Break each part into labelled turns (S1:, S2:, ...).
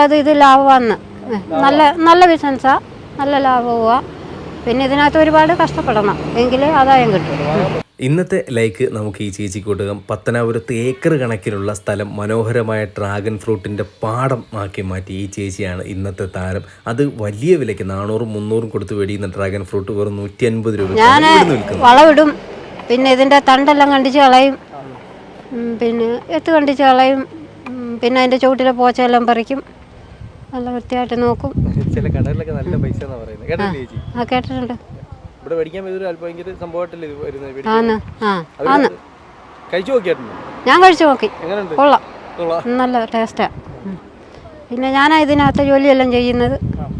S1: അത് ഇത് ലാഭമാണ്. നല്ല നല്ല ബിസിനസ്സാണ്, നല്ല ലാഭവുമാണ്. പിന്നെ ഇതിനകത്ത് ഒരുപാട് കഷ്ടപ്പെടണം എങ്കിലേ ആദായം കിട്ടും.
S2: ഇന്നത്തെ ലൈക്ക് നമുക്ക് ഈ ചേച്ചിക്ക് കൊടുക്കാം. പത്തനാപുരത്ത് ഏക്കർ കണക്കിലുള്ള സ്ഥലം മനോഹരമായ ഡ്രാഗൺ ഫ്രൂട്ടിൻ്റെ പാടം ആക്കി മാറ്റി ഈ ചേച്ചിയാണ് ഇന്നത്തെ താരം. അത് വലിയ വിലയ്ക്ക് 400-300 കൊടുത്ത് മേടിക്കുന്ന ഡ്രാഗൺ ഫ്രൂട്ട് വെറും 150 രൂപ.
S1: ഞാൻ വളമിടും, പിന്നെ ഇതിൻ്റെ തണ്ടെല്ലാം കണ്ടിച്ച് കളയും, പിന്നെ എത്ത് കണ്ടിച്ച് കളയും, പിന്നെ അതിൻ്റെ ചുവട്ടിലെ പോച്ചയെല്ലാം പറിക്കും, നല്ല വൃത്തിയായിട്ട് നോക്കും.
S3: ചില കടകളിലൊക്കെ നല്ല പൈസ
S1: കേട്ടിട്ടുണ്ട്.
S3: ഇവിടെ മേടിക്കാൻ ഭയങ്കര സംഭവമായിട്ടല്ലേ വരുന്നത്? കഴിച്ചു നോക്കിയായിരുന്നു?
S1: ഞാൻ കഴിച്ചു നോക്കി, കൊള്ളാം, നല്ല ടേസ്റ്റാണ്. പിന്നെ ഞാനാ ഇതിനകത്ത് ജോലിയെല്ലാം ചെയ്യുന്നത്.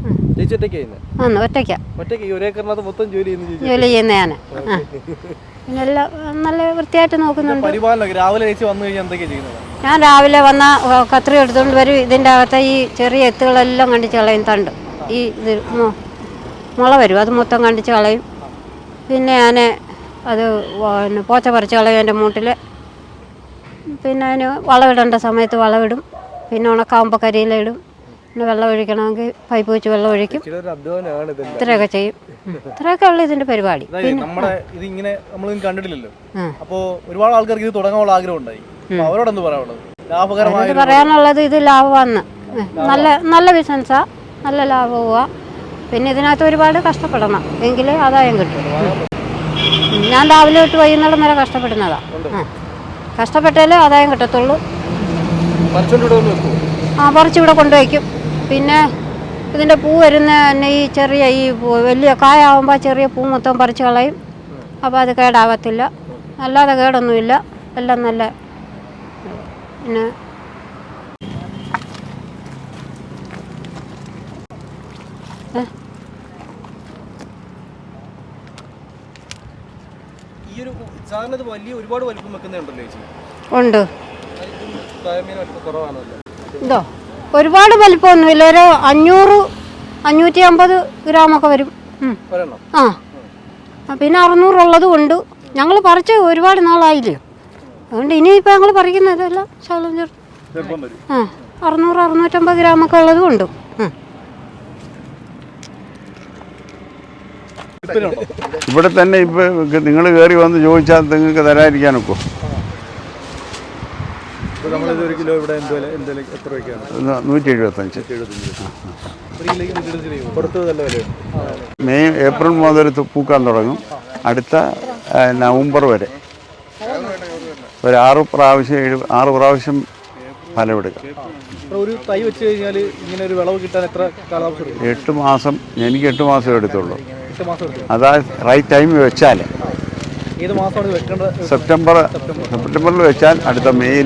S1: ജോലി ചെയ്യുന്ന ഞാൻ പിന്നെല്ലാം നല്ല വൃത്തിയായിട്ട് നോക്കുന്നുണ്ട്. ഞാൻ രാവിലെ വന്ന കത്രി എടുത്തുകൊണ്ട് വരും. ഇതിൻ്റെ അകത്തെ ഈ ചെറിയ എത്തുകളെല്ലാം കണ്ടിച്ച് കളയും. തണ്ട് ഈ ഇത് മുള വരും, അത് മൊത്തം കണ്ടിച്ച് കളയും. പിന്നെ ഞാൻ അത് പോച്ച പറിച്ച് കളയും എൻ്റെ മൂട്ടിൽ. പിന്നെ അതിന് വളമിടേണ്ട സമയത്ത് വളമിടും. പിന്നെ ഉണക്കാവുമ്പോൾ കരിയിലിടും. പിന്നെ വെള്ളം ഒഴിക്കണമെങ്കിൽ പൈപ്പ് വെച്ച് വെള്ളം ഒഴിക്കും. ഇത്രയൊക്കെ ചെയ്യും. ഇത്രയൊക്കെ ഉള്ളു ഇതിൻ്റെ പരിപാടി.
S3: ഇതിങ്ങനെ നമ്മളൊന്നും കണ്ടിട്ടില്ലല്ലോ. അപ്പോൾ ഒരുപാട് ആൾക്കാർക്ക് ഇത് തുടങ്ങാനുള്ള ആഗ്രഹം ഉണ്ടായി. അവരോടൊന്ന് പറയാനുള്ളത്
S1: പറയാനുള്ളത് ഇത് ലാഭമാണ്. നല്ല നല്ല ബിസിനസ്സാണ്, നല്ല ലാഭവുമാണ്. പിന്നെ ഇതിനകത്ത് ഒരുപാട് കഷ്ടപ്പെടണം എങ്കിലേ ആദായം കിട്ടും. ഞാൻ രാവിലെ തൊട്ട് വൈകുന്നേരം വരെ കഷ്ടപ്പെടുന്നതാണ്. കഷ്ടപ്പെട്ടാലേ ആദായം കിട്ടത്തുള്ളൂ. പറിച്ചിവിടെ കൊണ്ടുവയ്ക്കും. പിന്നെ ഇതിൻ്റെ പൂ വരുന്ന തന്നെ ഈ ചെറിയ ഈ വലിയ കായാവുമ്പോൾ ചെറിയ പൂ മൊത്തം പറിച്ച് കളയും. അപ്പോൾ അത് കേടാവത്തില്ല, അല്ലാതെ കേടൊന്നുമില്ല, എല്ലാം നല്ല. പിന്നെ ഉണ്ട്. ഇതോ ഒരുപാട് വലിപ്പമൊന്നുമില്ല, ഒരു 500-550 ഗ്രാമൊക്കെ വരും. പിന്നെ 600 ഉള്ളതും ഉണ്ട്. ഞങ്ങൾ പറിച്ച് ഒരുപാട് നാളായില്ലേ, അതുകൊണ്ട് ഇനിയിപ്പോൾ ഞങ്ങൾ പറിക്കുന്നതല്ല ശകലം ചേർത്ത് 600-650 ഗ്രാമൊക്കെ ഉള്ളതും ഉണ്ട്.
S4: ഇവിടെ തന്നെ ഇപ്പൊ നിങ്ങൾ കയറി വന്ന് ചോദിച്ചാൽ നിങ്ങൾക്ക് തരാതിരിക്കാനൊക്കെ.
S3: 175.
S4: മെയ് ഏപ്രിൽ മുതൽ പൂക്കാൻ തുടങ്ങും. അടുത്ത നവംബർ വരെ ഒരു 6 പ്രാവശ്യം ഫലമെടുക്കാം.
S3: ഒരു തൈ വെച്ച് കഴിഞ്ഞാൽ ഇങ്ങനെ ഒരു വിളവ് കിട്ടാൻ എത്ര കാലാവസ്ഥ?
S4: 8 മാസം. എനിക്ക് 8 മാസം എടുത്തുള്ളൂ. അതാ റൈറ്റ് ടൈം വെച്ചാൽ സെപ്റ്റംബറിൽ വെച്ചാൽ അടുത്ത മെയ്യിൽ.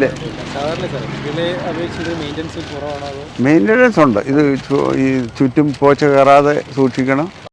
S4: മെയിൻ്റനൻസ് ഉണ്ട്. ഇത് ഈ ചുറ്റും പോച്ച കയറാതെ സൂക്ഷിക്കണം.